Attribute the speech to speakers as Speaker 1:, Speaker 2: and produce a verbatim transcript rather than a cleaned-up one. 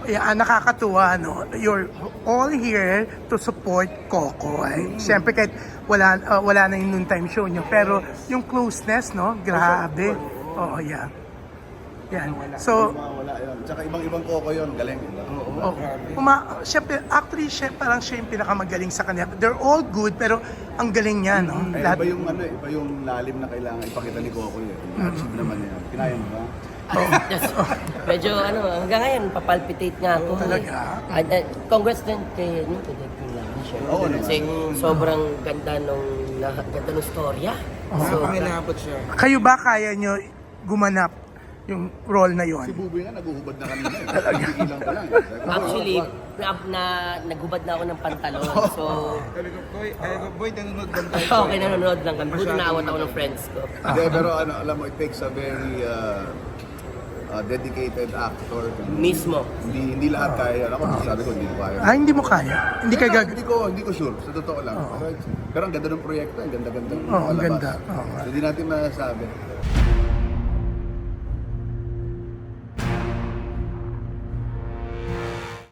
Speaker 1: Yeah, nakakatuwa, no? You're all here to support Coco. Ay, siyempre kahit wala, uh, wala na yung noontime show nyo. Pero yung closeness, no? Grabe. Oo, yeah. Yan. So,
Speaker 2: Wala yun. Tsaka ibang-ibang Coco yun, galing.
Speaker 1: oh, uma, siyempre, actually, siya, parang siya yung pinakamagaling sa kanya. They're all good, pero ang galing niya, no?
Speaker 2: Eh,
Speaker 1: Lahat-
Speaker 2: iba yung ano, eh, iba yung lalim na kailangan ipakita ni Coco yun. Na-achieve naman yan. Kinaya mo ba?
Speaker 3: Yes. Medyo ano, hanggang ngayon, papalpitate nga ako.
Speaker 1: Talaga?
Speaker 3: At, uh, congrats din kay, ano, kay Dad Pinlang.
Speaker 2: Oo naman.
Speaker 3: Kasi sobrang ganda nung, na, ganda nung storya. So,
Speaker 1: Kayo ba kaya nyo gumanap yung role na
Speaker 2: Si
Speaker 1: yon?
Speaker 2: Buboy nga, naguhubad na kanina. eh. Nagigilang pa lang. eh. Sabi ko,
Speaker 3: actually, na, na, naghubad na ako ng pantalon. So,
Speaker 4: Sabi ko, boy, ay, boy, nanonood lang tayo.
Speaker 3: okay, nanonood lang kami. Buti naawat ako ng friends ko.
Speaker 2: Hindi, pero ano, alam mo, it takes a very uh, uh, dedicated actor.
Speaker 3: Mismo.
Speaker 2: Hindi hindi lahat kaya. Ako, sabi ko, hindi ko kaya.
Speaker 1: Ah, hindi mo kaya? Hindi ka gag...
Speaker 2: Hindi ko, hindi ko sure. Sa totoo lang. Pero, pero ang ganda ng proyekto, ang ganda-ganda. ng
Speaker 1: Oo, ang
Speaker 2: palabas.
Speaker 1: ganda. Oo.
Speaker 2: So, hindi natin masasabi.